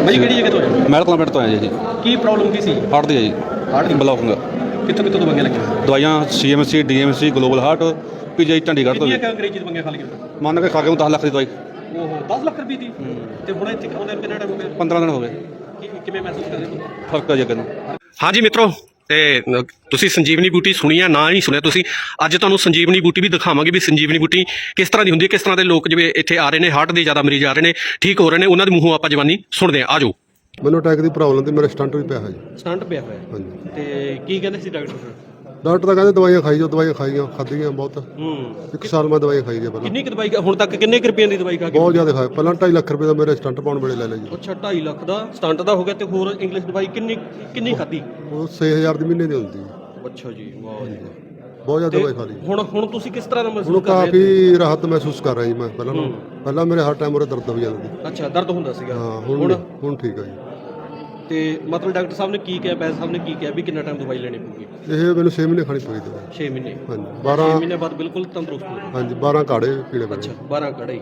ਭਾਈ ਕਿਹੜੀ ਜਗ੍ਹਾ ਤੋਂ ਆਏ? ਮਹਿਲ ਕਲਾਂ ਪਿੰਡ ਤੋਂ ਆਏ ਜੀ। ਕੀ ਪ੍ਰੋਬਲਮ ਕੀ ਸੀ? ਹਾਰਟ ਦੀ ਹੈ ਜੀ। ਹਾਰਟ ਦੀ ਬਲੌਕਿੰਗ। ਕਿੱਥੋਂ ਦਵਾਈਆਂ ਲੱਗੀਆਂ? ਦਵਾਈਆਂ CMC DMC global heart PGI Chandigarh ਤੋਂ। ਕਿੰਨੀਆਂ ਅੰਗਰੇਜ਼ੀ ਦਵਾਈਆਂ ਖਾ ਲਈਆਂ? ਮੰਨ ਕੇ ਖਾ ਕੇ 10 ਲੱਖ ਦੀ ਦਵਾਈ। ਉਹ 10 ਲੱਖ ਰੁਪਏ ਦੀ? ਤੇ ਹੁਣ ਇੱਥੇ ਖਾਉਂਦੇ ਕਿੰਨਾ ਟਾਈਮ ਹੋ ਗਿਆ? 15 ਦਿਨ ਹੋ ਗਏ। ਕਿਵੇਂ ਮਹਿਸੂਸ ਕਰ ਰਹੇ ਹੋ? ਫਰਕ ਹੈ ਜੀ ਅੱਗੇ ਨੂੰ। ਹਾਂਜੀ ਮਿੱਤਰੋ, ਤੇ ਤੁਸੀਂ ਸੰਜੀਵਨੀ ਬੂਟੀ ਸੁਣੀ ਆ ਨਾ ਹੀ ਸੁਣਿਆ ਤੁਸੀਂ, ਅੱਜ ਤੁਹਾਨੂੰ ਸੰਜੀਵਨੀ ਬੂਟੀ ਵੀ ਦਿਖਾਵਾਂਗੇ ਵੀ ਸੰਜੀਵਨੀ ਬੂਟੀ ਕਿਸ ਤਰ੍ਹਾਂ ਦੀ ਹੁੰਦੀ ਹੈ, ਕਿਸ ਤਰ੍ਹਾਂ ਦੇ ਲੋਕ ਜਿਵੇਂ ਇੱਥੇ ਆ ਰਹੇ ਨੇ, ਹਾਰਟ ਦੇ ਜ਼ਿਆਦਾ ਮਰੀਜ਼ ਆ ਰਹੇ ਨੇ, ਠੀਕ ਹੋ ਰਹੇ ਨੇ, ਉਹਨਾਂ ਦੇ ਮੂੰਹੋਂ ਆਪਾਂ ਜਵਾਨੀ ਸੁਣਦੇ ਆ। ਆਜੋ। ਮੈਨੂੰ ਅਟੈਕ ਦੀ ਪ੍ਰੋਬਲਮ ਤੇ ਮੇਰਾ ਸਟੰਟ ਵੀ ਪਿਆ ਹੈ ਜੀ। ਸਟੰਟ ਪਿਆ ਹੋਇਆ? ਹਾਂਜੀ। ਤੇ ਕੀ ਕਹਿੰਦੇ ਸੀ ਡਾਕਟਰ? ਡਾਕਟਰ ਤਾਂ ਕਹਿੰਦੇ ਦਵਾਈਆਂ ਖਾਈ ਜਾਓ, ਦਵਾਈਆਂ ਖਾਧੀਆਂ ਬਹੁਤ। 1 ਸਾਲ ਮੈਂ ਦਵਾਈ ਖਾਈ ਗਿਆ ਪਹਿਲਾਂ। ਕਿੰਨੀ ਕੁ ਦਵਾਈ ਹੁਣ ਤੱਕ ਕਿੰਨੇ ਕੁ ਰੁਪਏ ਦੀ ਦਵਾਈ ਖਾ ਕੇ? ਬਹੁਤ ਜ਼ਿਆਦਾ ਖਾਇਆ। ਪਹਿਲਾਂ 2.5 ਲੱਖ ਰੁਪਏ ਦਾ ਮੇਰੇ ਸਟੰਟ ਪਾਉਣ ਵੇਲੇ ਲੈ ਲਿਆ ਜੀ। ਅੱਛਾ, 2.5 ਲੱਖ ਦਾ ਸਟੰਟ ਦਾ ਹੋ ਗਿਆ, ਤੇ ਹੋਰ ਇੰਗਲਿਸ਼ ਦਵਾਈ ਕਿੰਨੀ ਖਾਧੀ? ਉਹ 6000 ਦੀ ਮਹੀਨੇ ਦੀ ਹੁੰਦੀ ਜੀ। ਅੱਛਾ ਜੀ, ਵਾਹ ਜੀ। ਬਹੁਤ ਜ਼ਿਆਦਾ ਦਵਾਈ ਖਾ ਲਈ। ਹੁਣ ਤੁਸੀਂ ਕਿਸ ਤਰ੍ਹਾਂ ਦਾ ਹੁਣ ਮਹਿਸੂਸ ਕਰ ਰਹੇ ਹੋ? ਕਾਫੀ ਰਾਹਤ ਮਹਿਸੂਸ ਕਰ ਰਿਹਾ ਜੀ ਮੈਂ ਪਹਿਲਾਂ ਮੇਰੇ ਹਰ ਟਾਈਮ ਉਰੇ ਦਰਦ ਹੋ ਜਾਂਦੀ ਸੀ। ਅੱਛਾ, ਦਰਦ ਹੁੰਦਾ ਸੀਗਾ? ਹਾਂ, ਹੁਣ ਠੀਕ ਹੈ ਜੀ। ਤੇ ਮਤਲਬ ਡਾਕਟਰ ਸਾਹਿਬ ਨੇ ਕੀ ਕਿਹਾ, ਵੈਦ ਸਾਹਿਬ ਨੇ ਕੀ ਕਿਹਾ ਵੀ ਕਿੰਨਾ ਟਾਈਮ ਦਵਾਈ ਲੈਣੀ ਪਊਗੀ? ਇਹ ਮੈਨੂੰ 6 ਮਹੀਨੇ ਖਾਣੀ ਪਈ ਦਵਾਈ। 6 ਮਹੀਨੇ? ਹਾਂਜੀ। 6 ਮਹੀਨੇ ਬਾਅਦ ਬਿਲਕੁਲ ਤੰਦਰੁਸਤ ਹੋ? ਹਾਂਜੀ, 12 ਕਾੜੇ ਪੀਣੇ ਪੈਣੇ। ਅੱਛਾ, 12 ਕੜਾਈ।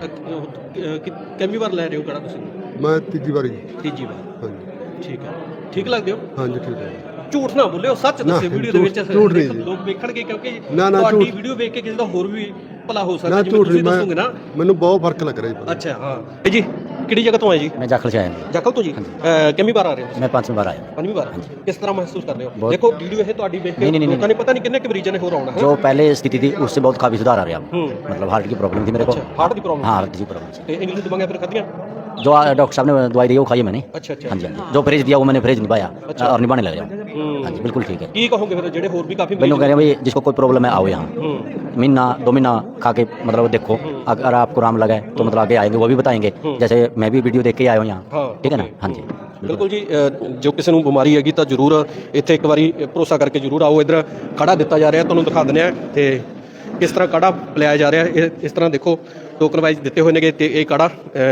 ਕਿੰਨੀ ਵਾਰ ਲੈ ਰਹੇ ਹੋ ਕੜਾ ਤੁਸੀਂ? ਮੈਂ ਤੀਜੀ ਵਾਰੀ। ਤੀਜੀ ਵਾਰ? ਹਾਂਜੀ। ਠੀਕ ਹੈ। ਠੀਕ ਲੱਗਦੇ ਹੋ? ਹਾਂਜੀ, ਠੀਕ ਹੈ। ਝੂਠ ਨਾ ਬੋਲਿਓ, ਸੱਚ ਦੱਸਿਓ ਵੀਡੀਓ ਦੇ ਵਿੱਚ। ਝੂਠ ਨਹੀਂ ਜੀ। ਲੋਕ ਵੇਖਣਗੇ, ਕਿਉਂਕਿ ਨਾ, ਤੁਹਾਡੀ ਵੀਡੀਓ ਵੇਖ ਕੇ ਕਿਸੇ ਦਾ ਹੋਰ ਵੀ ਭਲਾ ਹੋ ਸਕਦਾ, ਜਿਵੇਂ ਤੁਸੀਂ ਦੱਸੋਗੇ ਨਾ। ਮੈਨੂੰ ਬਹੁਤ ਫਰਕ ਲੱਗ ਰਿਹਾ ਜੀ। ਅੱਛਾ, ਹਾਂ। ਇਹ ਜੀ ਕਿਹੜੀ ਜਗ੍ਹਾ ਤੋਂ ਆਏ ਜੀ? मैं जाखल से आया हूँ। ਜਾਖਲ ਤੋਂ ਜੀ? ਕਿੰਨੀ ਵਾਰ ਆ ਰਹੇ ਹੋ? मैं 5ਵੀਂ बार आया हूँ। ਪੰਜਵੀਂ ਵਾਰ? ਕਿਸ ਤਰ੍ਹਾਂ ਮਹਿਸੂਸ ਕਰਦੇ ਹੋ? ਦੇਖੋ ਵੀਡੀਓ ਇਹ ਤੁਹਾਡੀ ਵੇਖ ਕੇ नहीं, ਲੋਕਾਂ ਨੇ ਪਤਾ ਨਹੀਂ ਕਿੰਨੇ ਕੁ ਮਰੀਜ਼ਾਂ ਨੇ ਹੋਰ ਆਉਣਾ ਹੈ। जो पहले स्थिति थी उससे बहुत काफ़ी सुधार आ रहा है। मतलब हार्ट की प्रॉब्लम थी मेरे को। ਹਾਰਟ ਦੀ ਪ੍ਰੋਬਲਮ? हाँ, हार्ट की प्रॉब्लम। ਤੇ ਇੰਗਲਿਸ਼ ਦਵਾਈਆਂ ਫਿਰ ਖਾਧੀਆਂ? जो डॉक्टर साहब ने दवाई दी है वो खाई है मैंने। ਅੱਛਾ ਅੱਛਾ। हाँ जी, हाँ जी। जो फ्रेज दिया वो मैंने फ्रेज निभाया और निभाने लग गया। हाँ जी, बिल्कुल ठीक है। ਕੀ ਕਹੋਗੇ ਫਿਰ ਜਿਹੜੇ ਹੋਰ ਵੀ ਕਾਫੀ मैंने कह रहे हैं भाई जिसको कोई प्रॉब्लम है आओ यहाँ, महीना 2 महीना खा के मतलब देखो, अगर आपको आराम लगा है तो मतलब आगे आएंगे वो भी बताएंगे। जैसे मैं भी वीडियो देख के आया हूँ यहाँ, ठीक है ना। हाँ जी, ਬਿਲਕੁਲ ਜੀ। ਜੋ ਕਿਸੇ ਨੂੰ ਬਿਮਾਰੀ ਹੈਗੀ ਤਾਂ ਜ਼ਰੂਰ ਇੱਥੇ ਇੱਕ ਵਾਰੀ ਭਰੋਸਾ ਕਰਕੇ ਜ਼ਰੂਰ ਆਓ। ਇੱਧਰ ਕਾੜਾ ਦਿੱਤਾ ਜਾ ਰਿਹਾ, ਤੁਹਾਨੂੰ ਦਿਖਾ ਦਿੰਦੇ ਆ ਤੇ ਕਿਸ ਤਰ੍ਹਾਂ ਕਾੜਾ ਪਿਲਾਇਆ ਜਾ ਰਿਹਾ। ਇਸ ਤਰ੍ਹਾਂ ਦੇਖੋ ਟੋਕਨ ਵਾਈਜ਼ ਦਿੱਤੇ ਹੋਏ ਨੇਗੇ, ਤੇ ਇਹ ਕਾੜਾ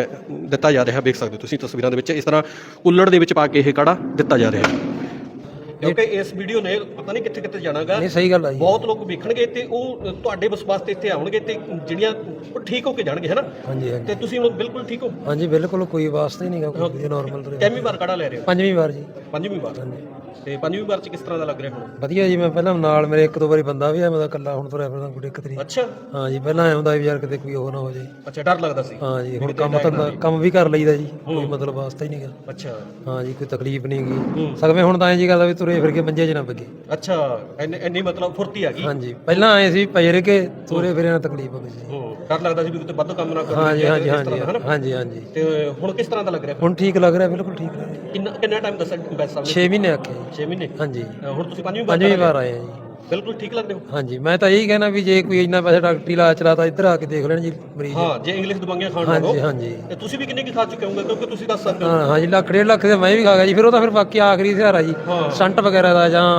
ਦਿੱਤਾ ਜਾ ਰਿਹਾ, ਵੇਖ ਸਕਦੇ ਹੋ ਤੁਸੀਂ ਤਸਵੀਰਾਂ ਦੇ ਵਿੱਚ। ਇਸ ਤਰ੍ਹਾਂ ਕੁੱਲੜ ਦੇ ਵਿੱਚ ਪਾ ਕੇ ਇਹ ਕਾੜਾ ਦਿੱਤਾ ਜਾ ਰਿਹਾ, ਕਿਉਂਕਿ ਇਸ ਵੀਡੀਓ ਨੇ ਪਤਾ ਨਹੀਂ ਕਿੱਥੇ ਕਿੱਥੇ ਜਾਣਾਗਾ। ਨਹੀਂ, ਸਹੀ ਗੱਲ ਹੈ ਜੀ। ਬਹੁਤ ਲੋਕ ਵੇਖਣਗੇ ਤੇ ਉਹ ਤੁਹਾਡੇ ਵਿਸ਼ਵਾਸ ਤੇ ਇੱਥੇ ਆਉਣਗੇ, ਤੇ ਜਿਹੜੀਆਂ ਉਹ ਠੀਕ ਹੋ ਕੇ ਜਾਣਗੇ, ਹੈ ਨਾ। ਹਾਂਜੀ ਹਾਂਜੀ ਤੇ ਤੁਸੀਂ ਹੁਣ ਬਿਲਕੁਲ ਠੀਕ ਹੋ? ਹਾਂਜੀ, ਬਿਲਕੁਲ ਕੋਈ ਵਾਸਤਾ ਹੀ ਨਹੀਂਗਾ, ਕੋਈ ਨਾਰਮਲ ਤੁਰੇ। ਕਿੰਨੀ ਵਾਰ ਕਾੜਾ ਲੈ ਰਹੇ ਹੋ? 5ਵੀਂ ਵਾਰ ਜੀ। 5ਵੀਂ ਵਾਰ? ਤੇ 5ਵੀਂ ਵਾਰ ਚ ਕਿਸ ਤਰ੍ਹਾਂ ਦਾ ਲੱਗ ਰਿਹਾ ਹੁਣ? ਵਧੀਆ ਜੀ। ਮੈਂ ਪਹਿਲਾਂ ਨਾਲ ਮੇਰੇ 1-2 ਵਾਰੀ ਬੰਦਾ ਵੀ ਆ, ਮੈਂ ਤਾਂ ਇਕੱਲਾ ਹੁਣ ਤੁਰਿਆ ਫਿਰਦਾ, ਕੋਈ ਦਿੱਕਤ ਨਹੀਂ। ਅੱਛਾ। ਹਾਂ ਜੀ, ਪਹਿਲਾਂ ਐਂ ਹੁੰਦਾ ਵੀ ਯਾਰ ਕਿਤੇ ਕੋਈ ਉਹ ਨਾ ਹੋ ਜਾਏ। ਅੱਛਾ, ਡਰ ਲੱਗਦਾ ਸੀ? ਹਾਂ ਜੀ। ਹੁਣ ਕੰਮ ਵੀ ਕਰ ਲਈਦਾ ਜੀ, ਕੋਈ ਮਤਲਬ ਵਾਸਤਾ ਹੀ ਨਹੀਂਗਾ। ਅੱਛਾ। ਹਾਂ ਜੀ, ਕੋਈ ਤਕਲੀਫ ਨਹੀਂ ਗਈ ਸਗਵੇਂ। ਹੁਣ ਤਾਂ ਐਂ ਜੀ ਗੱਲ ਆ ਵੀ ਤੁਰੇ ਫਿਰ ਕੇ ਮੰਜੇ 'ਚ ਨਾ ਬੱਗੇ। ਅੱਛਾ, ਇੰਨੀ ਮਤਲਬ ਫੁਰਤੀ ਆ ਗਈ? ਹਾਂਜੀ, ਪਹਿਲਾਂ ਆਏ ਸੀ ਪਏ ਰਹਿ ਕੇ ਤੁਰੇ ਫਿਰੇ ਨਾਲ ਤਕਲੀਫ ਹੋ ਗਈ ਸੀ। ਡਰ ਲੱਗਦਾ ਸੀ ਵੀ ਕਿਤੇ ਵੱਧ ਕੰਮ ਨਾ ਕਰੋ। ਹਾਂ ਜੀ, ਹਾਂ ਜੀ, ਹਾਂ ਜੀ, ਹਾਂਜੀ ਹਾਂਜੀ। ਤੇ ਹੁਣ ਕਿਸ ਤਰ੍ਹਾਂ ਦਾ ਲੱਗ ਰਿਹਾ? ਹੁਣ ਠੀਕ ਲੱਗ ਰਿਹਾ, ਬਿਲਕੁਲ ਠੀਕ ਲੱਗ ਰਿਹਾ। ਕਿੰਨਾ ਟਾਈਮ ਦੱਸਿਆ ਬੈਸ ਸਾਹਿਬ ਨੇ? 6 ਮਹੀਨੇ ਆਖੇ। 6 ਮਹੀਨੇ? ਹਾਂਜੀ। ਹੁਣ ਤੁਸੀਂ 5ਵੀਂ ਵਾਰ ਆਏ ਆ ਜੀ। ਬਿਲਕੁਲ ਠੀਕ ਲੱਗਦੇ ਹੋ? ਹਾਂਜੀ, ਮੈਂ ਤਾਂ ਇਹੀ ਕਹਿਣਾ ਵੀ ਜੇ ਕੋਈ ਇੰਨਾ ਪੈਸੇ ਡਾਕਟਰੀ ਇਲਾਜ ਚਲਾਤਾ ਇੱਧਰ ਆ ਕੇ ਦੇਖ ਲੈਣ ਜੀ ਮਰੀਜ਼। ਹਾਂ, ਜੇ ਇੰਗਲਿਸ਼ ਦਵਾਈਆਂ ਖਾਣ ਹਾਂਜੀ ਲੱਗੋ। ਹਾਂਜੀ। ਤੇ ਤੁਸੀਂ ਵੀ ਕਿੰਨੇ ਕੀ ਖਾ ਚੁੱਕੇ ਹੋਗੇ, ਕਿਉਂਕਿ ਤੁਸੀਂ ਦੱਸ ਸਕਦੇ ਹੋ। ਹਾਂ ਹਾਂਜੀ, 1.5 ਲੱਖ ਦੇ ਮੈਂ ਵੀ ਖਾ ਗਿਆ ਜੀ। ਫਿਰ ਉਹ ਤਾਂ ਫਿਰ ਬਾਕੀ ਆਖਰੀ ਸਹਾਰਾ ਜੀ, ਸਟੰਟ ਵਗੈਰਾ ਦਾ ਜਾਂ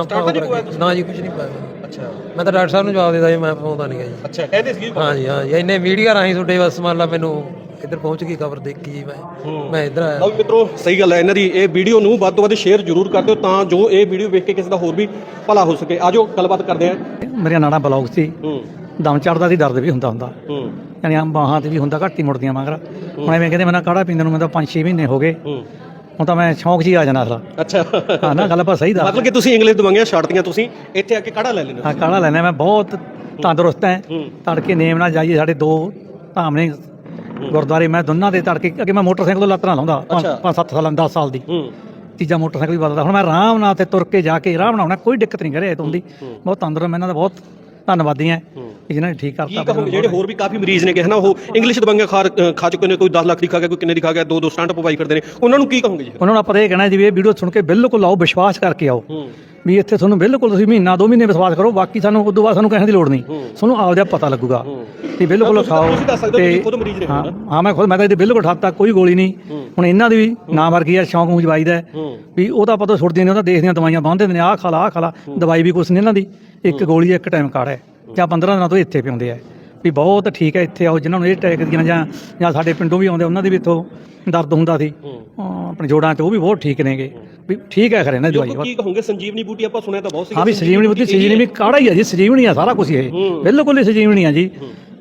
ਨਾ ਜੀ, ਕੁਝ ਨਹੀਂ ਪਾਇਆ। ਅੱਛਾ। ਮੈਂ ਤਾਂ ਡਾਕਟਰ ਸਾਹਿਬ ਨੂੰ ਜਵਾਬ ਦੇਦਾ ਜੀ, ਮੈਂ ਪਾਉਂਦਾ ਨਹੀਂ ਜੀ। ਅੱਛਾ, ਕਹਿੰਦੇ ਸੀ? ਹਾਂਜੀ ਹਾਂਜੀ, ਇੰਨੇ ਮੀਡੀਆ ਰਾਹੀਂ ਤੁਹਾਡੇ ਬਸ ਮੰਨ ਲਾ ਮੈਨੂੰ ਇੱਧਰ ਪਹੁੰਚ ਗਈ ਖਬਰ ਦੇਖੀ ਜੀ, ਮੈਂ ਇੱਧਰ ਆਇਆ। ਲਓ ਮਿੱਤਰੋ, ਸਹੀ ਗੱਲ ਹੈ ਇਹਨਾਂ ਦੀ। ਇਹ ਵੀਡੀਓ ਨੂੰ ਵੱਧ ਤੋਂ ਵੱਧ ਸ਼ੇਅਰ ਜ਼ਰੂਰ ਕਰ ਦਿਓ, ਤਾਂ ਜੋ ਇਹ ਵੀਡੀਓ ਵੇਖ ਕੇ ਕਿਸੇ ਦਾ ਹੋਰ ਵੀ ਭਲਾ ਹੋ ਸਕੇ। ਆਜੋ ਗੱਲਬਾਤ ਕਰਦੇ ਹਾਂ। ਮੇਰੀਆਂ ਨਾੜਾਂ ਬਲੌਕ ਸੀ, ਦਮ ਚੜਦਾ ਸੀ, ਦਰਦ ਵੀ ਹੁੰਦਾ ਯਾਨੀ ਆ ਬਾਹਾਂ ਤੇ ਵੀ ਹੁੰਦਾ, ਘੱਟ ਹੀ ਮੁੜਦੀਆਂ ਮਗਰ। ਹੁਣ ਐਵੇਂ ਕਹਿੰਦੇ ਮੈਨੂੰ ਕਾੜਾ ਪੀਂਦੇ ਨੂੰ ਮੈਨੂੰ 5-6 ਮਹੀਨੇ ਹੋ ਗਏ। ਹੁਣ ਤਾਂ ਮੈਂ ਸ਼ੌਂਕ 'ਚ ਹੀ ਆ ਜਾਣਾ ਅਸਲਾ। ਅੱਛਾ। ਹਾਂ ਨਾ, ਗੱਲ ਆਪਾਂ ਸਹੀ ਦੱਸ। ਮਤਲਬ ਕਿ ਤੁਸੀਂ ਇੰਗਲਿਸ਼ ਦਵਾਈਆਂ ਛੱਡਤੀਆਂ, ਤੁਸੀਂ ਇੱਥੇ ਆ ਕੇ ਕਾੜਾ ਲੈ ਲੈਣਾ। ਹਾਂ, ਕਾੜਾ ਲੈਣਾ। ਮੈਂ ਬਹੁਤ ਤੰਦਰੁਸਤ ਐ। ਤੜਕੇ ਨੇਮ ਨਾਲ ਜਾਈਏ, ਸਾਡੇ 2 ਧਾਮ ਨੇ ਗੁਰਦੁਆਰੇ, ਮੈਂ ਦੋਨਾਂ ਦੇ ਤੜਕੇ ਅੱਗੇ ਮੈਂ ਮੋਟਰਸਾਈਕਲ ਤੋਂ ਲੱਤ ਨਾਲ ਲਾਉਂਦਾ 5-7 ਸਾਲਾਂ 10 ਸਾਲ ਦੀ। ਤੀਜਾ ਮੋਟਰਸਾਈਕਲ ਵੀ ਬਦਲਦਾ। ਹੁਣ ਮੈਂ ਆਰਾਮ ਨਾਲ ਤੇ ਤੁਰ ਕੇ ਜਾ ਕੇ ਆਰਾਮ ਨਾਲ ਆਉਣਾ, ਕੋਈ ਦਿੱਕਤ ਨਹੀਂ ਕਰੇ ਤੁੰਦੀ। ਬਹੁਤ ਤੰਦਰੁਸਤ। ਮੈਂ ਇਹਨਾਂ ਦਾ ਬਹੁਤ ਧੰਨਵਾਦੀ ਐ ਜਿਹਨਾਂ ਨੇ ਠੀਕ ਕਰਤਾ। ਜਿਹੜੇ ਹੋਰ ਵੀ ਕਾਫੀ ਮਰੀਜ਼ ਨੇ ਕਿ ਹਨਾ, ਉਹ ਇੰਗਲਿਸ਼ ਦਵਾਈਆਂ ਖਾ ਚੁੱਕੇ ਨੇ, ਕੋਈ 10 ਲੱਖ ਦੀ ਖਾ ਗਿਆ, ਕੋਈ ਕਿੰਨੇ ਦੀ ਖਾ ਗਿਆ, 2 ਸਟੰਟ ਪਵਾਈ ਕਰਦੇ ਨੇ, ਉਹਨਾਂ ਨੂੰ ਕੀ ਕਹੋਗੇ ਜੀ? ਉਹਨਾਂ ਨੂੰ ਆਪਾਂ ਇਹ ਕਹਿਣਾ ਜੀ, ਇਹ ਵੀਡੀਓ ਸੁਣ ਕੇ ਬਿਲਕੁਲ ਆਓ, ਵਿਸ਼ਵਾਸ ਕਰਕੇ ਆਓ ਵੀ ਇੱਥੇ ਤੁਹਾਨੂੰ ਬਿਲਕੁਲ ਤੁਸੀਂ ਮਹੀਨਾ 2 ਮਹੀਨੇ ਵਿਸ਼ਵਾਸ ਕਰੋ, ਬਾਕੀ ਸਾਨੂੰ ਉਦੋਂ ਬਾਅਦ ਸਾਨੂੰ ਕਹਿਣ ਦੀ ਲੋੜ ਨਹੀਂ, ਤੁਹਾਨੂੰ ਆਪਦਾ ਪਤਾ ਲੱਗੂਗਾ ਵੀ ਬਿਲਕੁਲ ਖਾਓ। ਤੇ ਹਾਂ, ਮੈਂ ਖੁਦ, ਮੈਂ ਤਾਂ ਇਹਦੇ ਬਿਲਕੁਲ ਹੱਦ ਤੱਕ ਕੋਈ ਗੋਲੀ ਨਹੀਂ। ਹੁਣ ਇਹਨਾਂ ਦੀ ਵੀ ਨਾ ਵਰਗੀ ਆ, ਸ਼ੌਂਕ ਨੂੰ ਜਵਾਈਦਾ ਵੀ ਉਹ ਤਾਂ ਆਪਾਂ ਤੋਂ ਛੁੱਟਦੀਆਂ ਨੇ, ਉਹ ਤਾਂ ਦੇਖਦੀਆਂ ਦਵਾਈਆਂ ਬੰਨ੍ਹਦੇ ਨੇ, ਆਹ ਖਾ ਲਾ ਆਹ ਖਾ ਲਾ। ਦਵਾਈ ਵੀ ਕੁਛ ਨਹੀਂ ਇਹਨਾਂ ਦੀ, ਇੱਕ ਗੋਲੀ ਇੱਕ ਟਾਈਮ ਕਾੜਾ ਹੈ, ਜਾਂ 15 ਦਿਨਾਂ ਤੋਂ ਇੱਥੇ ਪਿਆਉਂਦੇ ਆ ਵੀ ਬਹੁਤ ਠੀਕ ਹੈ। ਇੱਥੇ ਆਓ, ਜਿਨ੍ਹਾਂ ਨੂੰ ਇਹ ਅਟੈਕ ਦੀਆਂ ਜਾਂ ਸਾਡੇ ਪਿੰਡੋਂ ਵੀ ਆਉਂਦੇ, ਉਹਨਾਂ ਦੀ ਵੀ ਇੱਥੋਂ ਦਰਦ ਹੁੰਦਾ ਸੀ ਆਪਣੇ ਜੋੜਾਂ 'ਚ, ਉਹ ਵੀ ਬਹੁਤ ਠੀਕ ਨੇਗੇ ਵੀ ਠੀਕ ਹੈ ਖਰੇ ਨਾ ਦਵਾਈ। ਕੀ ਕਹੋਗੇ ਸੰਜੀਵਨੀ ਬੂਟੀ ਆਪਾਂ ਸੁਣਿਆ ਤਾਂ ਬਹੁਤ ਸੀ। ਹਾਂ ਵੀ ਸੰਜੀਵਨੀ ਬੂਟੀ, ਸੰਜੀਵਨੀ ਕਾੜਾ ਹੀ ਆ ਜੀ, ਸੰਜੀਵਨੀ ਆ ਸਾਰਾ ਕੁਝ। ਇਹ ਬਿਲਕੁਲ ਹੀ ਸੰਜੀਵਨੀ ਆ ਜੀ।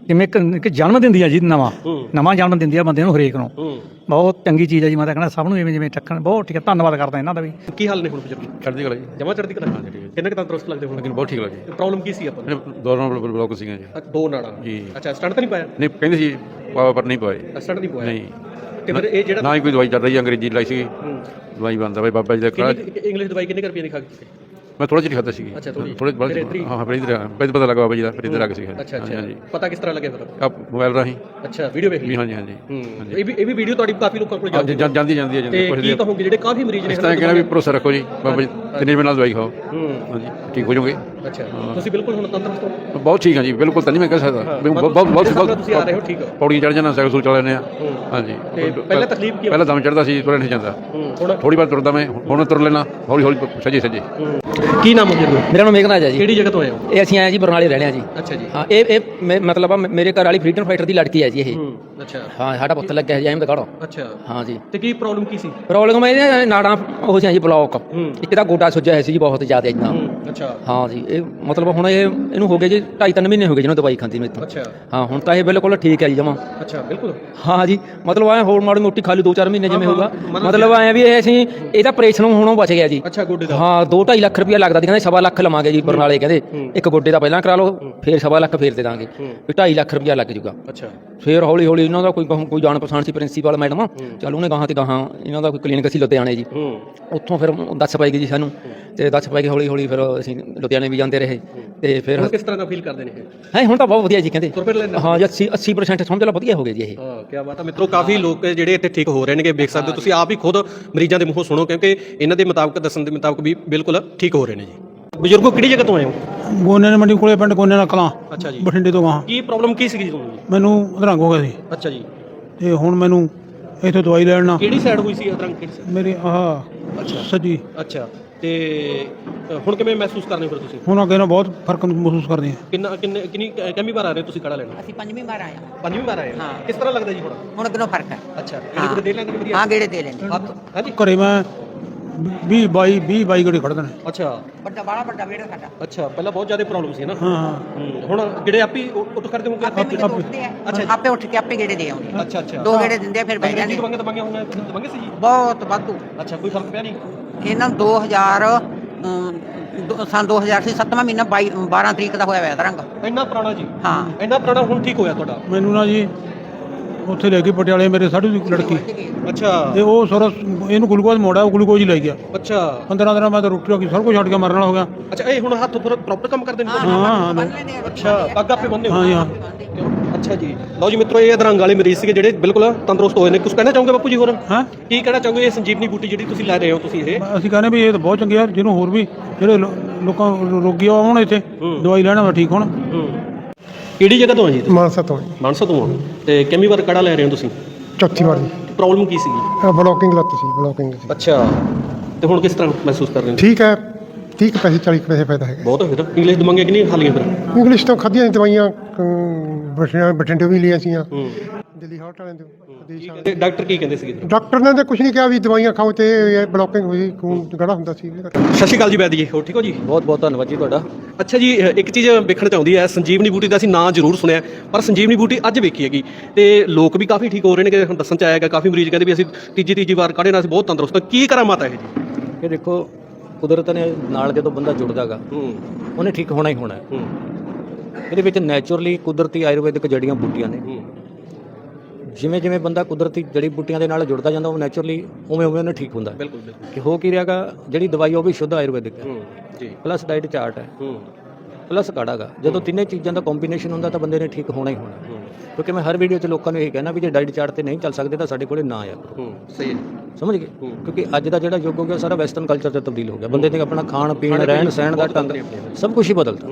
ਜਿਵੇਂ ਇੱਕ ਜਨਮ ਦਿੰਦੀ ਆ ਜੀ ਨਵਾਂ ਜਨਮ ਦਿੰਦੀ ਆ ਬੰਦੇ ਨੂੰ ਹਰੇਕ ਨੂੰ ਬਹੁਤ ਚੰਗੀ ਚੀਜ਼ ਹੈ ਜੀ। ਮੈਂ ਤਾਂ ਕਹਿੰਦਾ ਸਭ ਨੂੰ ਜਿਵੇਂ ਚੱਕਣ ਬਹੁਤ ਠੀਕ ਹੈ। ਧੰਨਵਾਦ ਕਰਦਾ ਇਹਨਾਂ ਦਾ ਵੀ। ਕੀ ਹਾਲ ਨੇ ਹੁਣ ਬਜ਼ੁਰਗ? ਚੜ੍ਹਦੀ ਕਲਾ ਜੀ। ਜਮਾ ਚੜ੍ਹਦੀ ਕਲਾ। ਕਿੰਨੇ ਕੁ ਤੰਦਰੁਸਤ ਲੱਗਦੇ ਹੁਣ? ਲੇਕਿਨ ਬਹੁਤ ਠੀਕ ਲੱਗੀ। ਪ੍ਰੋਬਲਮ ਕੀ ਸੀ ਆਪਾਂ ਨੂੰ? ਦੋਨੋਂ ਬਲੌਕ ਸੀਗੇ ਜੀ। ਦੋ ਨਾੜਾਂ ਜੀ। ਅੱਛਾ, ਸਟੰਟ ਤਾਂ ਨਹੀਂ ਪਾਇਆ? ਨਹੀਂ ਕਹਿੰਦੇ ਸੀ ਪਾਵਾ ਪਰ ਨਹੀਂ ਪਾਏ। ਸਟੰਟ ਨਹੀਂ ਪਾਇਆ? ਨਹੀਂ। ਤੇ ਫਿਰ ਇਹ ਜਿਹੜਾ ਨਾ ਹੀ ਕੋਈ ਦਵਾਈ ਚੱਲ ਰਹੀ ਹੈ, ਅੰਗਰੇਜ਼ੀ ਲਾਈ ਸੀਗੀ ਦਵਾਈ ਬੰਦਾ ਬਾਈ ਬਾਬਾ ਜੀ ਦਾ ਕਰਾ। ਇੰਗਲਿਸ਼ ਦਵਾਈ ਕਿੰਨੇ ਰੁਪਏ ਦੀ ਖਾ ਕੇ? ਮੈਂ ਥੋੜਾ ਜਿਹਾ ਖਾਦਾ ਸੀਗੀ। ਅੱਛਾ, ਥੋੜ੍ਹੀ। ਥੋੜੇ ਹਾਂ ਫਿਰ ਇਧਰ ਪਤਾ ਲੱਗਾ ਬਾਬਾ ਜੀ ਦਾ, ਫਿਰ ਇੱਧਰ ਆ ਕੇ ਸੀਗਾ। ਅੱਛਾ ਅੱਛਾ, ਹਾਂਜੀ। ਪਤਾ ਕਿਸ ਤਰ੍ਹਾਂ ਲੱਗਿਆ ਫਿਰ? ਆਪ ਮੋਬਾਈਲ ਰਾਹੀਂ। ਅੱਛਾ, ਵੀਡੀਓ ਵੇਖ ਲਈ? ਹਾਂਜੀ ਹਾਂਜੀ। ਇਹ ਵੀ ਵੀਡੀਓ ਤੁਹਾਡੀ ਕਾਫੀ ਲੋਕਾਂ ਕੋਲ ਜਾਂਦੀ ਜਾਂਦੀ ਹੈ। ਤੇ ਕੀ ਕਹੋਗੇ ਜਿਹੜੇ ਕਾਫੀ ਮਰੀਜ਼ ਨੇ? ਇਸ ਤਰ੍ਹਾਂ ਕਹਿੰਦਾ ਵੀ ਭਰੋਸਾ ਰੱਖੋ ਜੀ ਬਾਬਾ ਜੀ, 3 ਮਹੀਨੇ ਨਾਲ ਦਵਾਈ ਖਾਓ। ਹਾਂਜੀ, ਠੀਕ ਹੋ ਜਾਓਗੇ। ਅੱਛਾ, ਤੁਸੀਂ ਬਿਲਕੁਲ ਹੁਣ ਤੰਦਰੁਸਤ ਹੋ? ਬਹੁਤ ਠੀਕ ਹਾਂ ਜੀ, ਬਿਲਕੁਲ ਤਾਂ ਨਹੀਂ ਮੈਂ ਕਹਿ ਸਕਦਾ। ਬਹੁਤ ਤੁਸੀਂ ਆ ਰਹੇ ਹੋ, ਠੀਕ ਹੋ? ਪੌੜੀਆਂ ਚੜ੍ਹ ਜਾਣਾ, ਸਾਈਕਲ ਸੂਲ ਚਲਾ ਲੈਂਦੇ ਆ। ਹਾਂਜੀ। ਪਹਿਲਾਂ ਤਕਲੀਫ ਕੀ? ਪਹਿਲਾਂ ਦਮ ਚੜ੍ਹਦਾ ਸੀ, ਤੁਰਿਆ ਨਹੀਂ ਜਾਂਦਾ। ਥੋੜੀ ਵਾਰ ਤੁਰਦਾ ਮੈਂ, ਹੁਣ ਤੁਰ ਲੈਣਾ ਹੌਲੀ ਹੌਲੀ ਸੱਜੇ। ਕੀ ਨਾਮ ਹੈ? ਮੇਰਾ ਨਾਮ ਮੇਘਨਾਥ ਹੈ ਜੀ। ਕਿਹੜੀ ਜਗ੍ਹਾ ਤੋਂ ਆਏ ਹੋ? ਇਹ ਅਸੀਂ ਆਏ ਜੀ ਬਰਨਾਲੇ ਰਹਿਣੇ ਆ ਜੀ। ਅੱਛਾ ਜੀ। ਹਾਂ, ਇਹ ਮਤਲਬ ਮੇਰੇ ਘਰ ਵਾਲੀ ਫਰੀਡਮ ਫਾਈਟਰ ਦੀ ਲੜਕੀ ਹੈ ਜੀ ਇਹ। ਅੱਛਾ। ਹਾਂ, ਸਾਡਾ ਪੁੱਤ ਲੱਗਿਆ ਹੈ ਜੀ ਐਮ ਦਾ ਕਾੜੋ। ਅੱਛਾ। ਹਾਂ ਜੀ। ਤੇ ਕੀ ਪ੍ਰੋਬਲਮ ਕੀ ਸੀ? ਪ੍ਰੋਬਲਮ ਇਹਦੇ ਨਾੜਾਂ ਉਹ ਸੀ ਜੀ ਬਲੌਕ। ਇੱਕ ਤਾਂ ਗੋਡਾ ਸੁੱਜਿਆ ਹੋਇਆ ਸੀ ਜੀ ਬਹੁਤ ਜ਼ਿਆਦਾ ਇੰਨਾ। ਅੱਛਾ। ਹਾਂ ਜੀ। ਇਹ ਮਤਲਬ ਹੁਣ ਇਹਨੂੰ ਹੋ ਗਏ ਜੀ 2.5-3 ਮਹੀਨੇ ਹੋ ਗਏ ਜਿਹਨੂੰ ਦਵਾਈ ਖਾਂਦੀ ਨੂੰ ਇੱਥੋਂ। ਅੱਛਾ। ਹਾਂ, ਹੁਣ ਤਾਂ ਇਹ ਬਿਲਕੁਲ ਠੀਕ ਹੈ ਜੀ ਜਮਾਂ। ਅੱਛਾ, ਬਿਲਕੁਲ। ਹਾਂ ਜੀ, ਮਤਲਬ ਐ ਹੋਰ ਮਾੜੀ ਮੋਟੀ ਖਾਲੀ 2-4 ਮਹੀਨੇ ਜਿਵੇਂ ਹੋਊਗਾ। ਮਤਲਬ ਐ ਵੀ ਇਹ ਅਸੀਂ ਇਹਦਾ ਆਪਰੇਸ਼ਨ ਹੋਣੋਂ ਬਚ ਗਿਆ ਜੀ। ਅੱਛਾ, ਗੋਡੇ ਦਾ? ਹਾਂ, 2-2.5 ਲੱਖ ਰੁਪਇਆ ਲੱਗਦਾ ਸੀ, ਕਹਿੰਦੇ 1.25 ਲੱਖ ਲਵਾਂਗੇ ਜੀ ਬਰਨਾਲੇ। ਕਹਿੰਦੇ ਇੱਕ ਗੋਡੇ ਦਾ ਪਹਿਲਾਂ ਕਰਾ ਲਓ, ਫਿਰ 1.25 ਲੱਖ ਫੇਰ ਦੇ ਦਾਂਗੇ, ਵੀ 2.5 ਲੱਖ ਰੁਪਇਆ ਲੱਗ ਜੂਗਾ। ਅੱਛਾ। ਫਿਰ ਹੌਲੀ ਹੌਲੀ ਇਹਨਾਂ ਦਾ ਕੋਈ ਜਾਣ ਪਛਾਣ ਸੀ ਪ੍ਰਿੰਸੀਪਲ ਮੈਡਮ, ਚੱਲ ਉਹਨੇ ਗਾਹਾਂ ਤੇ ਗਾਹਾਂ ਇਹਨਾਂ ਦਾ ਕੋਈ ਕਲੀਨਿਕ ਸੀ ਲੁਧਿਆਣੇ ਜੀ। ਉੱਥੋਂ ਫਿਰ ਦੱਸ ਪਾਈ ਗਈ ਜੀ ਸਾਨੂੰ, ਤੇ ਦੱਸ ਪਾਈ ਗਈ ਹੌਲੀ ਹੌਲੀ। ਫਿਰ ਅਸੀਂ ਲੁਧਿਆਣੇ ਵੀ ਜਾਂਦੇ ਰਹੇ। ਤੇ ਫਿਰ ਕਿਸ ਤਰ੍ਹਾਂ ਦਾ ਫੀਲ ਕਰਦੇ ਨੇ ਇਹ? ਹੈ ਹੁਣ ਤਾਂ ਬਹੁਤ ਵਧੀਆ ਜੀ ਕਹਿੰਦੇ। ਤੁਰ ਫਿਰ ਲੈਂਦਾ? ਹਾਂ ਜੀ, 80% ਸਮਝ ਲਾ ਵਧੀਆ ਹੋ ਗਏ ਜੀ ਇਹ। ਹਾਂ, ਕੀ ਬਾਤ ਹੈ ਮਿੱਤਰੋ। ਕਾਫੀ ਲੋਕ ਜਿਹੜੇ ਇੱਥੇ ਠੀਕ ਹੋ ਰਹੇ ਨੇਗੇ, ਵੇਖ ਸਕਦੇ ਹੋ ਤੁਸੀਂ ਆਪ ਹੀ ਖੁਦ ਮਰੀਜ਼ਾਂ ਦੇ ਮੂੰਹੋਂ ਸੁਣੋ, ਕਿਉਂਕਿ ਇਹਨਾਂ ਦੇ ਮੁਤਾਬਕ ਦੱਸਣ ਦੇ ਮੁਤਾਬਕ ਵੀ ਬਿਲਕੁਲ ਠੀਕ ਹੋ ਰਹੇ ਨੇ ਜੀ। ਬਜ਼ੁਰਗੋ, ਕਿਹੜੀ ਜਗ੍ਹਾ ਤੋਂ ਆਏ ਹੋ? ਗੋਨੇ ਮੰਡੀ ਕੋਲੇ ਪਿੰਡ ਗੋਨੇ ਨਾਲ ਕਲਾਂ। ਅੱਛਾ ਜੀ। ਬਠਿੰਡੇ ਤੋਂ ਗਾਹਾਂ। ਕੀ ਪ੍ਰੋਬਲਮ ਕੀ ਸੀਗੀ ਤੁਹਾਨੂੰ? ਮੈਨੂੰ ਅਧਰੰਗ ਹੋ ਗਿਆ ਸੀ ਅੱਛਾ ਜੀ। ਤੇ ਹੁਣ ਮੈਨੂੰ ਇੱਥੋਂ ਦਵਾਈ ਲੈਣ ਨਾਲ ਕਿਹੜੀ ਸਾਈਡ ਹੋਈ ਸੀ ਅਦਰੰਗ? ਕਿਹੜੀ ਸਾਈਡ? ਮੇਰੀ ਆਹ ਸੱਜੀ। ਅੱਛਾ। ਤੇ ਹੁਣ ਕਿਵੇਂ ਮਹਿਸੂਸ ਕਰਨੇ ਫਿਰ ਤੁਸੀਂ? ਹੁਣ ਅੱਗੇ ਨਾਲ ਬਹੁਤ ਫਰਕ ਮਹਿਸੂਸ ਕਰਦੇ ਆ। ਕਿੰਨੀ ਵਾਰ ਆ ਰਹੇ ਤੁਸੀਂ ਕਾੜਾ ਲੈਣ? ਅਸੀਂ 5ਵੀਂ ਵਾਰ ਆਏ ਹਾਂ। 5ਵੀਂ ਵਾਰ ਆਏ? ਹਾਂ। ਕਿਸ ਤਰ੍ਹਾਂ ਲੱਗਦਾ ਜੀ ਹੁਣ? ਹੁਣ ਅੱਗੋਂ ਫਰਕ ਹੈ। ਅੱਛਾ। ਗੇੜੇ ਦੇ ਲੈਂਦੇ ਨੇ ਵਧੀਆ? ਹਾਂ, ਗੇੜੇ ਦੇ ਲੈਂਦੇ। ਹਾਂਜੀ। ਘਰੇ ਮੈਂ 20-22 ਗੇੜੇ ਖੜਦੇ ਨੇ। ਅੱਛਾ। ਬੜਾ ਵੱਡਾ ਵੇੜਾ ਸਾਡਾ। ਅੱਛਾ, ਪਹਿਲਾਂ ਬਹੁਤ ਜ਼ਿਆਦਾ ਪ੍ਰੋਬਲਮ ਸੀ ਨਾ। ਹਾਂ। ਹੁਣ ਗੇੜੇ ਆਪੇ ਉੱਠ ਕਰਦੇ ਹੋਗੇ? ਆਪੇ ਉੱਠਦੇ ਆ। ਆਪੇ ਉੱਠ ਕੇ ਆਪੇ ਗੇੜੇ ਦੇ ਆਉਂਦੇ। ਅੱਛਾ ਅੱਛਾ। 2 ਗੇੜੇ ਦਿੰਦੇ ਆ, ਫਿਰ ਬਹਿ ਜਾਂਦੇ। ਦਵਾਈਆਂ ਹੋਈਆਂ ਦਵਾਈਆਂ ਸੀ ਜੀ? ਬਹੁਤ ਵਾਧੂ। ਅੱਛਾ, ਕੋਈ ਫਰਕ ਪਿਆ ਨਹੀਂ? ਇਹਨਾਂ ਨੂੰ 2000 ਸੰਨ 2000 ਸੀ 7ਵਾਂ ਮਹੀਨਾ 12 ਤਰੀਕ ਦਾ ਹੋਇਆ ਦਰੰਗ। ਇੰਨਾ ਪੁਰਾਣਾ ਜੀ? ਹਾਂ, ਇੰਨਾ ਪੁਰਾਣਾ ਹੁਣ ਠੀਕ ਹੋਇਆ ਤੁਹਾਡਾ? ਮੈਨੂੰ ਨਾ ਜੀ ਉੱਥੇ ਲੈ ਕੇ ਪਟਿਆਲੇ ਮੇਰੇ ਸਾਢੂ ਦੀ ਲੜਕੀ, ਅੱਛਾ। ਤੇ ਉਹ ਸਾਰਾ ਇਹਨੂੰ ਗਲੂਕੋਜ਼ ਮੋੜਾ, ਉਹ ਗਲੂਕੋਜ਼ ਹੀ ਲੈ ਗਿਆ। ਅੱਛਾ। 15 ਦਿਨਾਂ ਬਾਅਦ ਰੋਟੀ ਰੱਖੀ, ਸਭ ਕੁਝ ਛੱਡ ਕੇ ਮਰਨ ਵਾਲਾ ਹੋ ਗਿਆ। ਅੱਛਾ, ਇਹ ਹੁਣ ਹੱਥ ਪ੍ਰੋਪਰ ਕੰਮ ਕਰਦੇ ਨੇ? ਹਾਂ। ਅੱਛਾ, ਪੱਗ ਆਪੇ ਬੰਨ੍ਹਦੇ ਹੋ? ਹਾਂ ਜੀ ਹਾਂ। ਅੱਛਾ ਜੀ। ਲਓ ਜੀ ਮਿੱਤਰੋ, ਇਹ ਅਧਰੰਗ ਵਾਲੇ ਮਰੀਜ਼ ਸੀਗੇ ਜਿਹੜੇ ਬਿਲਕੁਲ ਤੰਦਰੁਸਤ ਹੋਏ ਨੇ। ਕੁਝ ਕਹਿਣਾ ਚਾਹੋਗੇ ਬਾਪੂ ਜੀ ਹੋਰ? ਹਾਂ, ਕੀ ਕਹਿਣਾ ਚਾਹੋਗੇ ਇਹ ਸੰਜੀਵਨੀ ਬੂਟੀ ਜਿਹੜੀ ਤੁਸੀਂ ਲੈ ਰਹੇ ਹੋ ਤੁਸੀਂ ਇਹ? ਅਸੀਂ ਕਹਿੰਦੇ ਵੀ ਇਹ ਤਾਂ ਬਹੁਤ ਚੰਗੇ ਆ, ਜਿਹਨੂੰ ਹੋਰ ਵੀ ਜਿਹੜੇ ਲੋਕਾਂ ਰੋਗੀ ਆਉਣ ਇੱਥੇ ਦਵਾਈ ਲੈਣ ਵਾ ਠੀਕ ਹੋਣ। ਕਿਹੜੀ ਜਗ੍ਹਾ ਤੋਂ ਆ ਜੀ? ਮਾਨਸਾ ਤੋਂ ਜੀ। ਮਾਨਸਾ ਤੋਂ ਆ। ਤੇ ਕਿੰਨੀ ਵਾਰ ਕਾੜਾ ਲੈ ਰਹੇ ਹੋ ਤੁਸੀਂ? ਚੌਥੀ ਵਾਰ ਜੀ। ਪ੍ਰੋਬਲਮ ਕੀ ਸੀਗੀ? ਬਲੋਕਿੰਗ ਲੱਤ ਸੀ, ਬਲੋਕਿੰਗ ਸੀ। ਅੱਛਾ। ਤੇ ਹੁਣ ਕਿਸ ਤਰ੍ਹਾਂ ਮਹਿਸੂਸ ਕਰ ਰਹੇ ਹੋ? ਠੀਕ ਹੈ। 30 ਪੈਸੇ 40 ਪੈਸੇ ਫਾਇਦਾ ਹੈਗਾ। ਬਹੁਤ ਫਿਰ ਇੰਗਲਿਸ਼ ਦਵਾਈਆਂ ਕਿੰਨੀਆਂ ਖਾ ਲਈਆਂ ਫਿਰ? ਇੰਗਲਿਸ਼ ਤੋਂ ਖਾਧੀਆਂ ਨੇ ਦਵਾਈਆਂ, ਬਠਿੰਡੇ ਵੀ ਲਈਆਂ ਸੀਆਂ, ਦਿੱਲੀ ਹਾਰਟ ਵਾਲਿਆਂ ਤੋਂ। ਤੇ ਡਾਕਟਰ ਕੀ ਕਹਿੰਦੇ ਸੀਗੇ? ਡਾਕਟਰ ਨੇ ਤਾਂ ਕੁਝ ਨਹੀਂ ਕਿਹਾ ਵੀ ਦਵਾਈਆਂ ਖਾਓ ਤੇ ਬਲੋਕਿੰਗ ਹੋਈ, ਖੂਨ ਗੜਾ ਹੁੰਦਾ ਸੀ। ਸਤਿ ਸ਼੍ਰੀ ਅਕਾਲ ਜੀ ਵੈਦ ਜੀ, ਹੋ ਠੀਕ ਹੋ ਜੀ? बहुत बहुत धन्यवाद जी ਤੁਹਾਡਾ। ਅੱਛਾ ਜੀ, ਇੱਕ ਚੀਜ਼ ਵੇਖਣ ਚ ਆਉਂਦੀ ਹੈ, ਸੰਜੀਵਨੀ ਬੂਟੀ ਦਾ ਅਸੀਂ ਨਾਂ ਜ਼ਰੂਰ ਸੁਣਿਆ, ਪਰ ਸੰਜੀਵਨੀ ਬੂਟੀ ਅੱਜ ਵੇਖੀ ਹੈਗੀ ਤੇ ਲੋਕ ਵੀ ਕਾਫੀ ਠੀਕ ਹੋ ਰਹੇ ਨੇ ਕਿ ਹੁਣ ਦੱਸਣ ਚ ਆਇਆ ਹੈਗਾ। ਕਾਫੀ ਮਰੀਜ਼ ਕਹਿੰਦੇ ਵੀ ਅਸੀਂ ਤੀਜੀ ਵਾਰ ਕਾੜੇ ਨਾਲ ਅਸੀਂ ਬਹੁਤ ਤੰਦਰੁਸਤ ਹਾਂ। ਕੀ ਕਰਾਮਾਤ ਹੈ ਇਹ ਜੀ? ਇਹ ਦੇਖੋ, ਕੁਦਰਤ ਨੇ ਨਾਲ ਜਦੋਂ ਬੰਦਾ ਜੁੜਦਾਗਾ ਉਹਨੇ ਠੀਕ ਹੋਣਾ ਹੀ ਹੋਣਾ ਹੈ। ਇਹਦੇ ਵਿੱਚ ਨੈਚੁਰਲੀ ਕੁਦਰਤੀ ਆਯੁਰਵੈਦਿਕ ਜੜੀਆਂ ਬੂਟੀਆਂ ਨੇ। ਜਿਵੇਂ ਜਿਵੇਂ ਬੰਦਾ ਕੁਦਰਤੀ ਜੜੀ ਬੂਟੀਆਂ ਦੇ ਨਾਲ ਜੁੜਦਾ ਜਾਂਦਾ, ਉਹ ਨੈਚੁਰਲੀ ਉਵੇਂ ਉਹਨੇ ਠੀਕ ਹੁੰਦਾ। ਬਿਲਕੁਲ ਬਿਲਕੁਲ। ਕਿ ਹੋ ਕੀ ਰਿਹਾਗਾ, ਜਿਹੜੀ ਦਵਾਈ ਉਹ ਵੀ ਸ਼ੁੱਧ ਆਯੁਰਵੈਦਿਕ ਹੈ ਜੀ, ਪਲੱਸ ਡਾਈਟ ਚਾਰਟ ਹੈ ਪਲੱਸ ਕਾੜਾ ਗਾ। ਜਦੋਂ ਤਿੰਨੇ ਚੀਜ਼ਾਂ ਦਾ ਕੰਬੀਨੇਸ਼ਨ ਹੁੰਦਾ ਤਾਂ ਬੰਦੇ ਨੇ ਠੀਕ ਹੋਣਾ ਹੀ ਹੋਣਾ। ਕਿਉਂਕਿ ਮੈਂ ਹਰ ਵੀਡੀਓ 'ਚ ਲੋਕਾਂ ਨੂੰ ਇਹ ਕਹਿਣਾ ਵੀ ਜੇ ਡਾਈਟ ਚਾਰਟ ਤੇ ਨਹੀਂ ਚੱਲ ਸਕਦੇ ਤਾਂ ਸਾਡੇ ਕੋਲੇ ਨਾ ਆਇਆ ਕਰੋ। ਸਹੀ ਹੈ, ਸਮਝ ਗਏ? ਕਿਉਂਕਿ ਅੱਜ ਦਾ ਜਿਹੜਾ ਯੁੱਗ ਹੋ ਗਿਆ ਸਾਰਾ ਵੈਸਟਰਨ ਕਲਚਰ 'ਚ ਤਬਦੀਲ ਹੋ ਗਿਆ। ਬੰਦੇ ਨੇ ਆਪਣਾ ਖਾਣ ਪੀਣ ਰਹਿਣ ਸਹਿਣ ਦਾ ਢੰਗ ਸਭ ਕੁਝ ਹੀ ਬਦਲਤਾ।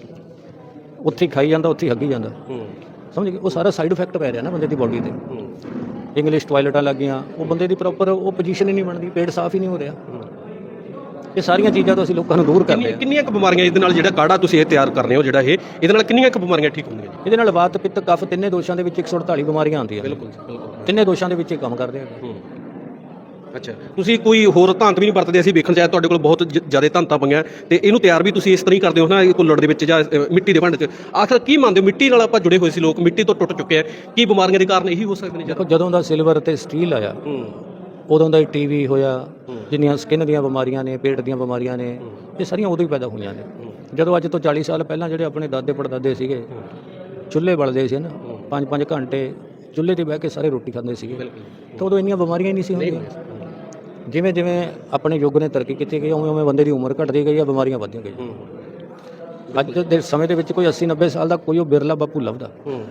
ਉੱਥੇ ਖਾਈ ਜਾਂਦਾ, ਉੱਥੇ ਹੱਗੀ ਜਾਂਦਾ। ਸਮਝ ਗਏ? ਉਹ ਸਾਰਾ ਸਾਈਡ ਇਫੈਕਟ ਪੈ ਰਿਹਾ ਨਾ ਬੰਦੇ ਦੀ ਬੋਡੀ ਤੇ। ਇੰਗਲਿਸ਼ ਟਾਇਲਟਾਂ ਲੱਗ ਗਈਆਂ, ਉਹ ਬੰਦੇ ਦੀ ਪ੍ਰੋਪਰ ਉਹ ਪੋਜੀਸ਼ਨ ਹੀ ਨਹੀਂ ਬਣਦੀ, ਪੇਟ ਸਾਫ਼ ਹੀ ਨਹੀਂ ਹੋ ਰਿਹਾ। ਇਹ ਸਾਰੀਆਂ ਚੀਜ਼ਾਂ ਤੋਂ ਅਸੀਂ ਲੋਕਾਂ ਨੂੰ ਦੂਰ ਕਰਦੇ ਹਾਂ। ਕਿੰਨੀਆਂ ਕੁ ਬਿਮਾਰੀਆਂ ਇਹਦੇ ਨਾਲ ਜਿਹੜਾ ਕਾੜਾ ਤੁਸੀਂ ਇਹ ਤਿਆਰ ਕਰ ਰਹੇ ਹੋ, ਜਿਹੜਾ ਇਹਦੇ ਨਾਲ ਕਿੰਨੀਆਂ ਕੁ ਬਿਮਾਰੀਆਂ ਠੀਕ ਹੁੰਦੀਆਂ ਜੀ? ਇਹਦੇ ਨਾਲ ਵਾਤ ਪਿੱਤ ਕਫ ਤਿੰਨੇ ਦੋਸ਼ਾਂ ਦੇ ਵਿੱਚ 148 ਬਿਮਾਰੀਆਂ ਆਉਂਦੀਆਂ। ਬਿਲਕੁਲ ਬਿਲਕੁਲ। ਤਿੰਨੇ ਦੋਸ਼ਾਂ ਦੇ ਵਿੱਚ ਇਹ ਕੰਮ ਕਰਦੇ ਆ। ਅੱਛਾ, ਤੁਸੀਂ ਕੋਈ ਹੋਰ ਧਾਂਤ ਵੀ ਨਹੀਂ ਵਰਤਦੇ? ਅਸੀਂ ਵੇਖਣ ਚਾਹੇ ਤੁਹਾਡੇ ਕੋਲ ਬਹੁਤ ਜ਼ਿਆਦਾ ਧਾਂਤਾਂ ਪਈਆਂ ਤੇ ਇਹਨੂੰ ਤਿਆਰ ਵੀ ਤੁਸੀਂ ਇਸ ਤਰ੍ਹਾਂ ਹੀ ਕਰਦੇ ਹੋ ਨਾ, ਕੁੱਲੜ ਦੇ ਵਿੱਚ ਜਾਂ ਮਿੱਟੀ ਦੇ ਭਾਂਡੇ 'ਚ। ਆਖਰ ਕੀ ਮੰਨਦੇ ਹੋ, ਮਿੱਟੀ ਨਾਲ ਆਪਾਂ ਜੁੜੇ ਹੋਏ ਸੀ ਲੋਕ, ਮਿੱਟੀ ਤੋਂ ਟੁੱਟ ਚੁੱਕੇ ਆ, ਕੀ ਬਿਮਾਰੀਆਂ ਦੇ ਕਾਰਨ ਇਹੀ ਹੋ ਸਕਦੇ ਨੇ? ਦੇਖੋ ਜਦੋਂ ਦਾ ਸਿਲਵਰ ਤੇ ਸਟੀਲ ਆਇਆ ਉਦੋਂ ਦਾ ਹੀ ਟੀਵੀ ਹੋਇਆ, ਜਿੰਨੀਆਂ ਸਕਿਨ ਦੀਆਂ ਬਿਮਾਰੀਆਂ ਨੇ, ਪੇਟ ਦੀਆਂ ਬਿਮਾਰੀਆਂ ਨੇ, ਇਹ ਸਾਰੀਆਂ ਉਦੋਂ ਹੀ ਪੈਦਾ ਹੋਈਆਂ ਨੇ। ਜਦੋਂ ਅੱਜ ਤੋਂ 40 ਸਾਲ ਪਹਿਲਾਂ ਜਿਹੜੇ ਆਪਣੇ ਦਾਦੇ ਪੜਦਾਦੇ ਸੀਗੇ ਚੁੱਲ੍ਹੇ ਬਲਦੇ ਸੀ ਨਾ, 5-5 ਘੰਟੇ ਚੁੱਲ੍ਹੇ 'ਤੇ ਬਹਿ ਕੇ ਸਾਰੇ ਰੋਟੀ ਖਾਂਦੇ ਸੀਗੇ, ਤਾਂ ਉਦੋਂ ਇੰਨੀਆਂ ਬਿਮਾਰੀਆਂ ਹੀ ਨਹੀਂ ਸੀ ਹੁੰਦੀਆਂ। ਜਿਵੇਂ ਜਿਵੇਂ ਆਪਣੇ ਯੁੱਗ ਨੇ ਤਰੱਕੀ ਕੀਤੀ ਗਈ, ਉਵੇਂ ਉਵੇਂ ਬੰਦੇ ਦੀ ਉਮਰ ਘਟਦੀ ਗਈ ਆ, ਬਿਮਾਰੀਆਂ ਵੱਧਦੀਆਂ ਗਈਆਂ। ਅੱਜ ਦੇ ਸਮੇਂ ਦੇ ਵਿੱਚ ਕੋਈ 80-90 ਸਾਲ ਦਾ ਕੋਈ ਉਹ ਬਿਰਲਾ ਬਾਪੂ ਲੱਭਦਾ।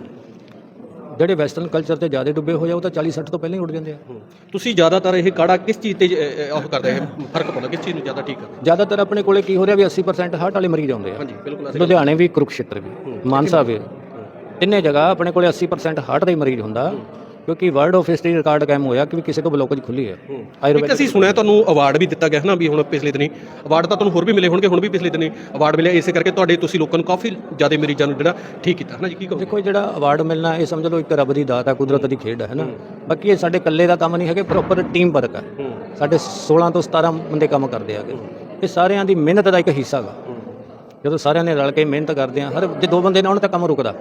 ਜਿਹੜੇ ਵੈਸਟਰਨ ਕਲਚਰ ਤੇ ਜ਼ਿਆਦਾ ਡੁੱਬੇ ਹੋਏ ਆ ਉਹ ਤਾਂ 40-60 ਤੋਂ ਪਹਿਲਾਂ ਹੀ ਉੱਡ ਜਾਂਦੇ ਆ। ਤੁਸੀਂ ਜ਼ਿਆਦਾਤਰ ਇਹ ਕਾੜਾ ਕਿਸ ਚੀਜ਼ ਤੇ ਉਹ ਕਰਦੇ ਹੈ, ਫਰਕ ਪਾਉਂਦਾ ਕਿਸ ਚੀਜ਼ ਨੂੰ ਜ਼ਿਆਦਾ ਠੀਕ ਕਰਦੇ? ਜ਼ਿਆਦਾਤਰ ਆਪਣੇ ਕੋਲੇ ਕੀ ਹੋ ਰਿਹਾ ਵੀ 80% ਹਾਰਟ ਵਾਲੇ ਮਰੀਜ਼ ਆਉਂਦੇ ਆ। ਹਾਂਜੀ ਬਿਲਕੁਲ। ਲੁਧਿਆਣੇ ਵੀ, ਕੁਰੂਕਸ਼ੇਤਰ ਵੀ, ਮਾਨਸਾ ਵੀ, ਤਿੰਨੇ ਜਗ੍ਹਾ ਆਪਣੇ ਕੋਲੇ 80% ਹਾਰਟ ਦਾ ਹੀ ਮਰੀਜ਼ ਹੁੰਦਾ, ਕਿਉਂਕਿ ਵਰਲਡ ਆਫ ਹਿਸਟਰੀ ਰਿਕਾਰਡ ਕਾਇਮ ਹੋਇਆ ਕਿ ਕਿਸੇ ਤੋਂ ਬਲੋਕੇਜ ਖੁੱਲੀ ਹੈ। ਇੱਕ ਅਸੀਂ ਸੁਣਿਆ ਤੁਹਾਨੂੰ ਅਵਾਰਡ ਵੀ ਦਿੱਤਾ ਗਿਆ ਹੈ ਨਾ, ਵੀ ਹੁਣ ਪਿਛਲੇ ਦਿਨੀ ਅਵਾਰਡ ਤਾਂ ਤੁਹਾਨੂੰ ਹੋਰ ਵੀ ਮਿਲੇ ਹੋਣਗੇ, ਹੁਣ ਵੀ ਪਿਛਲੇ ਦਿਨੀ ਅਵਾਰਡ ਮਿਲਿਆ ਇਸੇ ਕਰਕੇ ਤੁਹਾਡੇ, ਤੁਸੀਂ ਲੋਕਾਂ ਨੂੰ ਕਾਫੀ ਜ਼ਿਆਦਾ ਮਰੀਜ਼ਾਂ ਨੂੰ ਜਿਹੜਾ ਠੀਕ ਕੀਤਾ ਹੈ ਨਾ ਜੀ, ਕੀ ਕਹੋ? ਦੇਖੋ ਜਿਹੜਾ ਅਵਾਰਡ ਮਿਲਣਾ ਇਹ ਸਮਝ ਲਓ ਇੱਕ ਰੱਬ ਦੀ ਦਾਤ ਹੈ, ਕੁਦਰਤ ਦੀ ਖੇਡ ਹੈ ਨਾ। ਬਾਕੀ ਇਹ ਸਾਡੇ ਇਕੱਲੇ ਦਾ ਕੰਮ ਨਹੀਂ ਹੈਗੇ, ਪ੍ਰੋਪਰ ਟੀਮ ਵਰਕ ਹੈ। ਸਾਡੇ 16 ਤੋਂ 17 ਬੰਦੇ ਕੰਮ ਕਰਦੇ ਹੈਗੇ, ਇਹ ਸਾਰਿਆਂ ਦੀ ਮਿਹਨਤ ਦਾ ਇੱਕ ਹਿੱਸਾ ਹੈਗਾ। ਜਦੋਂ ਸਾਰਿਆਂ ਨੇ ਰਲ ਕੇ ਮਿਹਨਤ ਕਰਦੇ ਆ, ਹਰ ਜੇ 2 ਬੰਦੇ ਨਾਲ ਹੋਣ ਤਾਂ ਕੰਮ ਰੁਕਦਾ।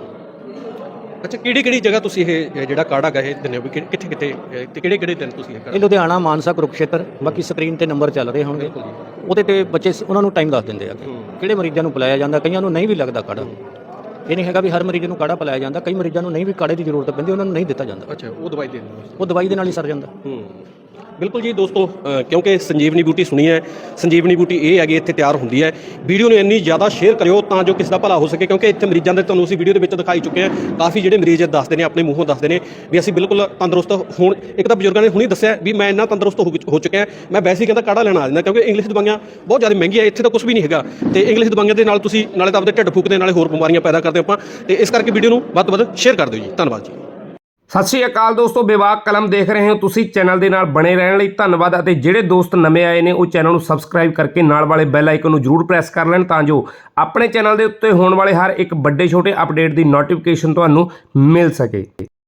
ਅੱਛਾ, ਕਿਹੜੀ ਜਗ੍ਹਾ ਤੁਸੀਂ ਇਹ ਜਿਹੜਾ ਕਾੜਾ ਗਾ ਇਹ ਦਿੰਦੇ ਹੋ, ਵੀ ਕਿੱਥੇ ਤੇ ਕਿਹੜੇ ਦਿਨ ਤੁਸੀਂ ਇਹ ਲੁਧਿਆਣਾ, ਮਾਨਸਾ, ਕੁਰੂਕਸ਼ੇਤਰ, ਬਾਕੀ ਸਕਰੀਨ ਤੇ ਨੰਬਰ ਚੱਲ ਰਹੇ ਹੋਣਗੇ, ਉਹਦੇ ਤੇ ਬੱਚੇ ਉਹਨਾਂ ਨੂੰ ਟਾਈਮ ਦੱਸ ਦਿੰਦੇ ਆ ਕਿਹੜੇ ਮਰੀਜ਼ਾਂ ਨੂੰ ਪਿਲਾਇਆ ਜਾਂਦਾ। ਕਈਆਂ ਨੂੰ ਨਹੀਂ ਵੀ ਲੱਗਦਾ ਕਾੜਾ, ਇਹ ਨਹੀਂ ਹੈਗਾ ਵੀ ਹਰ ਮਰੀਜ਼ ਨੂੰ ਕਾੜਾ ਪਿਲਾਇਆ ਜਾਂਦਾ। ਕਈ ਮਰੀਜ਼ਾਂ ਨੂੰ ਨਹੀਂ ਵੀ ਕਾੜੇ ਦੀ ਜ਼ਰੂਰਤ ਪੈਂਦੀ, ਉਹਨਾਂ ਨੂੰ ਨਹੀਂ ਦਿੱਤਾ ਜਾਂਦਾ। ਅੱਛਾ, ਉਹ ਦਵਾਈ ਦੇ ਦਿੰਦੇ? ਉਹ ਦਵਾਈ ਦੇ ਨਾਲ ਹੀ ਸਰ ਜਾਂਦਾ। ਬਿਲਕੁਲ ਜੀ ਦੋਸਤੋ, ਕਿਉਂਕਿ ਸੰਜੀਵਨੀ ਬੂਟੀ ਸੁਣੀ ਹੈ, ਸੰਜੀਵਨੀ ਬੂਟੀ ਇਹ ਹੈਗੀ ਇੱਥੇ ਤਿਆਰ ਹੁੰਦੀ ਹੈ। ਵੀਡੀਓ ਨੂੰ ਇੰਨੀ ਜ਼ਿਆਦਾ ਸ਼ੇਅਰ ਕਰਿਓ ਤਾਂ ਜੋ ਕਿਸੇ ਦਾ ਭਲਾ ਹੋ ਸਕੇ, ਕਿਉਂਕਿ ਇੱਥੇ ਮਰੀਜ਼ਾਂ ਦੇ ਤੁਹਾਨੂੰ ਅਸੀਂ ਵੀਡੀਓ ਦੇ ਵਿੱਚ ਦਿਖਾਈ ਚੁੱਕੇ ਹਾਂ। ਕਾਫੀ ਜਿਹੜੇ ਮਰੀਜ਼ ਦੱਸਦੇ ਨੇ, ਆਪਣੇ ਮੂੰਹੋਂ ਦੱਸਦੇ ਨੇ ਵੀ ਅਸੀਂ ਬਿਲਕੁਲ ਤੰਦਰੁਸਤ ਹੁਣ। ਇੱਕ ਤਾਂ ਬਜ਼ੁਰਗਾਂ ਨੇ ਹੁਣੀ ਦੱਸਿਆ ਵੀ ਮੈਂ ਇੰਨਾ ਤੰਦਰੁਸਤ ਹੋ ਚੁੱਕਿਆ, ਮੈਂ ਵੈਸੇ ਹੀ ਕਹਿੰਦਾ ਕਾੜਾ ਲੈਣਾ ਆ ਜਾਂਦਾ, ਕਿਉਂਕਿ ਇੰਗਲਿਸ਼ ਦਵਾਈਆਂ ਬਹੁਤ ਜ਼ਿਆਦਾ ਮਹਿੰਗੀਆਂ, ਇੱਥੇ ਤਾਂ ਕੁਝ ਵੀ ਨਹੀਂ ਹੈਗਾ। ਤੇ ਇੰਗਲਿਸ਼ ਦਵਾਈਆਂ ਦੇ ਨਾਲ ਤੁਸੀਂ ਨਾਲੇ ਤਾਂ ਆਪਦੇ ਢਿੱਡ ਫੂਕਦੇ, ਨਾਲੇ ਹੋਰ ਬਿਮਾਰੀਆਂ ਪੈਦਾ ਕਰਦੇ ਆਪਾਂ। ਤੇ ਇਸ ਕਰਕੇ ਵੀਡੀਓ ਨੂੰ ਵੱਧ ਤੋਂ ਵੱਧ ਸ਼ੇਅਰ ਕਰ ਦਿਓ ਜੀ। ਧੰਨਵਾਦ ਜੀ। ਸਤਿ ਸ਼੍ਰੀ ਅਕਾਲ ਦੋਸਤੋ, ਬੇਬਾਕ ਕਲਮ ਦੇਖ ਰਹੇ ਹੋ ਤੁਸੀਂ। ਚੈਨਲ ਦੇ ਨਾਲ ਬਣੇ ਰਹਿਣ ਲਈ ਧੰਨਵਾਦ, ਅਤੇ ਜਿਹੜੇ ਦੋਸਤ ਨਵੇਂ ਆਏ ਨੇ ਉਹ ਚੈਨਲ ਨੂੰ ਸਬਸਕ੍ਰਾਈਬ ਕਰਕੇ ਨਾਲ ਵਾਲੇ ਬੈਲ ਆਈਕਨ ਨੂੰ ਜ਼ਰੂਰ ਪ੍ਰੈਸ ਕਰ ਲੈਣ, ਤਾਂ ਜੋ ਆਪਣੇ ਚੈਨਲ ਦੇ ਉੱਤੇ ਹੋਣ ਵਾਲੇ ਹਰ ਇੱਕ ਵੱਡੇ ਛੋਟੇ ਅਪਡੇਟ ਦੀ ਨੋਟੀਫਿਕੇਸ਼ਨ ਤੁਹਾਨੂੰ ਮਿਲ ਸਕੇ।